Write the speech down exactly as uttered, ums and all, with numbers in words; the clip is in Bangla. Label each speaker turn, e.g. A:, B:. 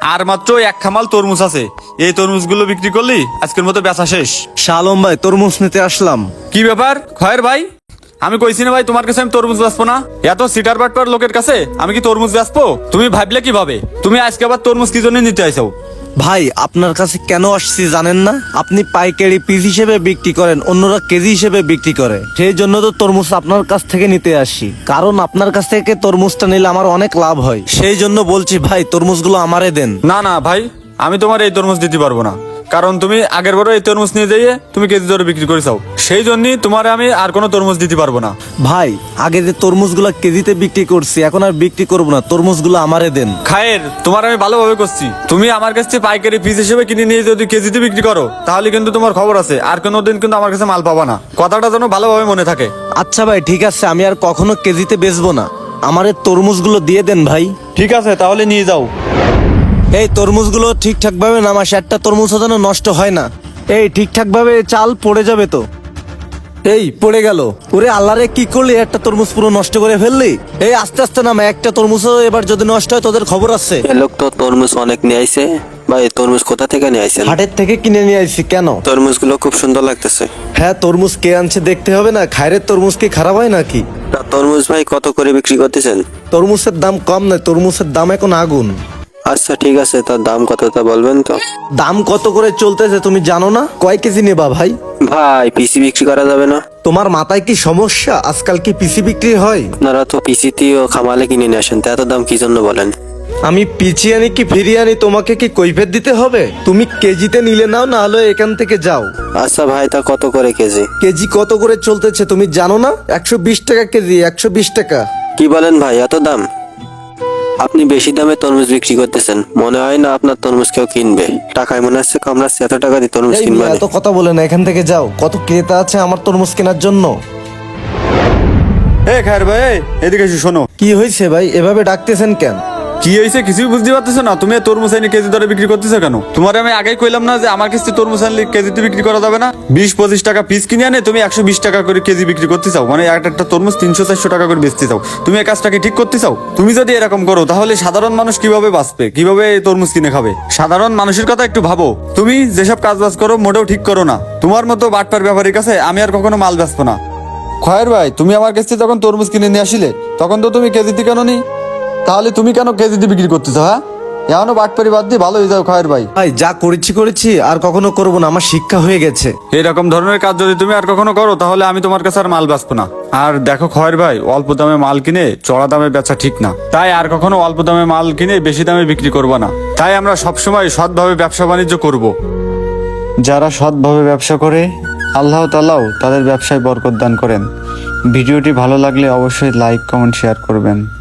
A: আর মাত্র এক খামাল তরমুজ আছে, এই তরমুজগুলো বিক্রি করলি আজকের মতো বেচা শেষ।
B: শাহ আলম ভাই, তরমুজ নিতে আসলাম।
A: কি ব্যাপার খয়ের ভাই, আমি কইছি না ভাই তোমার কাছে আমি তরমুজ বেচবো না? এত সিটার বাটপার লোকের কাছে আমি কি তরমুজ বেচবো? তুমি ভাবলে কিভাবে? তুমি আজকে আবার তরমুজ কি জন্য নিতে আইছো?
B: ভাই, আপনার কাছে কেন আসছি জানেন না? আপনি পাইকারি পিস হিসেবে বিক্রি করেন, অন্যরা কেজি হিসেবে বিক্রি করে, সেই জন্য তো তরমুজ আপনার কাছ থেকে নিতে আসি। কারণ আপনার কাছ থেকে তরমুজটা নিলে আমার অনেক লাভ হয়, সেই জন্য বলছি ভাই তরমুজগুলো আমারে দেন।
A: না না ভাই, আমি তোমার এই তরমুজ দিতে পারবো না, কারণ তুমি আগের বড় এই তরমুজ নিয়ে যাইয়ে তুমি কেজি দরে বিক্রি করেছাও, সেই জন্যই তোমার আমি আর কোনো তরমুজ দিতে পারবো না।
B: ভাই, আগে যে তরমুজগুলো কেজিতে বিক্রি করছি এখন আর বিক্রি করবো না, তরমুজগুলো আমারে দেন।
A: খায়ের, তোমার আমি ভালোভাবে করছি, তুমি আমার কাছে পাইকারি পিস হিসেবে কিনে নিয়ে যদি কেজিতে বিক্রি করো তাহলে কিন্তু তোমার খবর আছে, আর কোনোদিন কিন্তু আমার কাছে মাল পাবা না। কথাটা যেন ভালোভাবে মনে থাকে।
B: আচ্ছা ভাই, ঠিক আছে, আমি আর কখনো কেজিতে বেচবো না, আমারে তরমুজগুলো দিয়ে দেন ভাই।
A: ঠিক আছে, তাহলে নিয়ে যাও।
B: এই তরমুজগুলো ঠিকঠাক ভাবে নামাস, একটা তরমুজ যেন নষ্ট হয় না। এই ঠিকঠাক ভাবে চাল পড়ে যাবে তো। এই পড়ে গেল। ওরে আল্লাহরে, কি করলি? একটা তরমুজ পুরো নষ্ট করে ফেললি। এই আস্তে আস্তে নামা, একটা তরমুজ এবার যদি নষ্ট হয় তোদের খবর আছে।
C: এ লোক তো তরমুজ অনেক নিয়ে আইছে। ভাই, তরমুজ কোথা থেকে নিয়ে আইছেন?
B: হাটের থেকে কিনে নিয়ে আসছি। কেন?
C: তরমুজগুলো খুব সুন্দর লাগতেছে।
B: হ্যাঁ, তরমুজ কে আনছে দেখতে হবে না? খায়রের তরমুজ কি খারাপ হয় নাকি?
C: তা তরমুজ ভাই কত করে বিক্রি করতেছেন?
B: তরমুজের দাম কম নয়, তরমুজের দাম এখন আগুন।
C: আচ্ছা ঠিক আছে, তার দাম কত তা বলবেন তো?
B: দাম কত করে চলতেছে তুমি জানো না? কয় কেজি নেবা ভাই?
C: ভাই, পিসি বিক্রি করা যাবে না?
B: তোমার মাথায় কি সমস্যা? আজকাল কি পিসি বিক্রি হয়?
C: আপনারা তো পিসিতেও খামালে কিনে নিয়ে আসেন, তা এত দাম কি জন্য বলেন?
B: আমি পিছিয়ে আনি কি ফিরিয়ে আনি তোমাকে কি কৈফিয়ত দিতে হবে? তুমি কেজিতে নিলে নাও, না হলে এখান থেকে যাও।
C: আচ্ছা ভাই, তা কত করে কেজি?
B: কেজি কত করে চলতেছে তুমি জানো না? একশো বিশ টাকা কেজি, একশো বিশ টাকা।
C: কি বলেন ভাই, এত দাম? আপনি বেশি দামে তরমুজ বিক্রি করতেছেন, মনে হয় না আপনার তরমুজ কেউ কিনবে। টাকায় মনে হচ্ছে কামড়াচ্ছে, এত টাকা দিয়ে তরমুজ
B: এই
C: কিনবে
B: মেয়ে,
C: না।
B: এত কথা বলে না, এখান থেকে যাও। কত ক্রেতা আছে আমার তরমুজ কেনার জন্য।
A: এ খায়ের ভাই, এদিকে এসে শোনো।
B: কি হয়েছে ভাই, এভাবে ডাকতেছেন কেন?
A: কি হয়েছে কিছুই বুঝতে পারতেছো না? তুমি তরমুজ আইনি কেজি দরে বিক্রি করতেছো কেন? তোমার আমি আগেই কইলাম না যে আমার কাছে তরমুজ আনলে কেজিতে বিক্রি করা যাবে না? বিশ পঁচিশ টাকা পিস কিনে আনে তুমি একশো বিশ টাকা করে কেজি বিক্রি করতে চাও, মানে একটা একটা তরমুজ তিনশো চারশো টাকা করে বেচতে চাও। তুমি এই কাজটাকে ঠিক করতে চাও? তুমি যদি এরকম করো তাহলে সাধারণ মানুষ কিভাবে বাঁচবে, কিভাবে এই তরমুজ কিনে খাবে? সাধারণ মানুষের কথা একটু ভাবো। তুমি যেসব কাজ বাজ করো মোটেও ঠিক করো না। তোমার মতো বাটপার ব্যাপারীর কাছে আমি আর কখনো মাল বেচবো না। খয়ের ভাই, তুমি আমার কাছে যখন তরমুজ কিনে নিয়ে আসিলে তখন তো তুমি কেজিতে কেন নি? তাহলে তুমি কেন কেজিতে বিক্রি করতেছো? হ্যাঁ, এখনো বাটপারি বাদ দিয়ে ভালো হয়ে যাও খয়ের ভাই।
B: ভাই, যা করেছি করেছি, আর কখনো করবো না, আমার শিক্ষা হয়ে গেছে।
A: এরকম ধরনের কাজ যদি তুমি আর কখনো করো তাহলে আমি তোমার কাছে আর মাল বেচবো না। আর দেখো খয়ের ভাই, অল্প দামে মাল কিনে চড়া দামে বেচা ঠিক না, তাই আর কখনো অল্প দামে মাল কিনে বেশি দামে বিক্রি করবো না। তাই আমরা সবসময় সৎভাবে ব্যবসা বাণিজ্য করব। যারা সৎভাবে ব্যবসা করে আল্লাহ তাআলাও তাদের ব্যবসায় বরকত দান করেন। ভিডিওটি ভালো লাগলে অবশ্যই লাইক কমেন্ট শেয়ার করবেন।